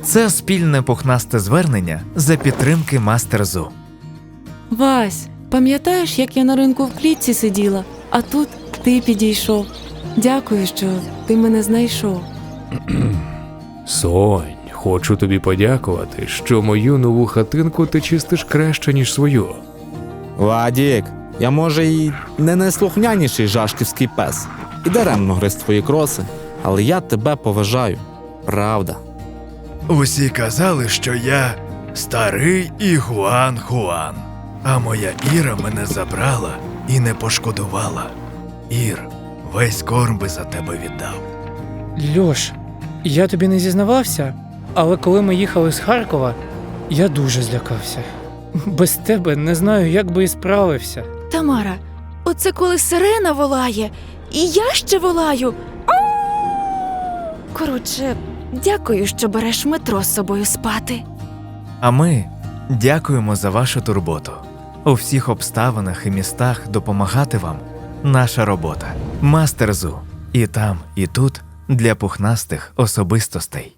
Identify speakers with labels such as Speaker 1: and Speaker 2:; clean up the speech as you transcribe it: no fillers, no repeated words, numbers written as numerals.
Speaker 1: Це спільне пухнасте звернення за підтримки Мастер Зу.
Speaker 2: Вась, пам'ятаєш, як я на ринку в клітці сиділа, а тут ти підійшов. Дякую, що ти мене знайшов.
Speaker 3: Сонь, хочу тобі подякувати, що мою нову хатинку ти чистиш краще, ніж свою.
Speaker 4: Вадік, я може і не найслухняніший жашківський пес, і даремно гриз твої кроси, але я тебе поважаю. Правда.
Speaker 5: Усі казали, що я старий Ігуан-Хуан, а моя Іра мене забрала і не пошкодувала. Ір, весь корм би за тебе віддав.
Speaker 6: Льош, я тобі не зізнавався, але коли ми їхали з Харкова, я дуже злякався. Без тебе не знаю, як би і справився.
Speaker 7: Тамара, оце коли сирена волає, і я ще волаю. Коротше, дякую, що береш метро з собою спати.
Speaker 1: А ми дякуємо за вашу турботу. У всіх обставинах і містах допомагати вам – наша робота. Мастер Зу. І там, і тут для пухнастих особистостей.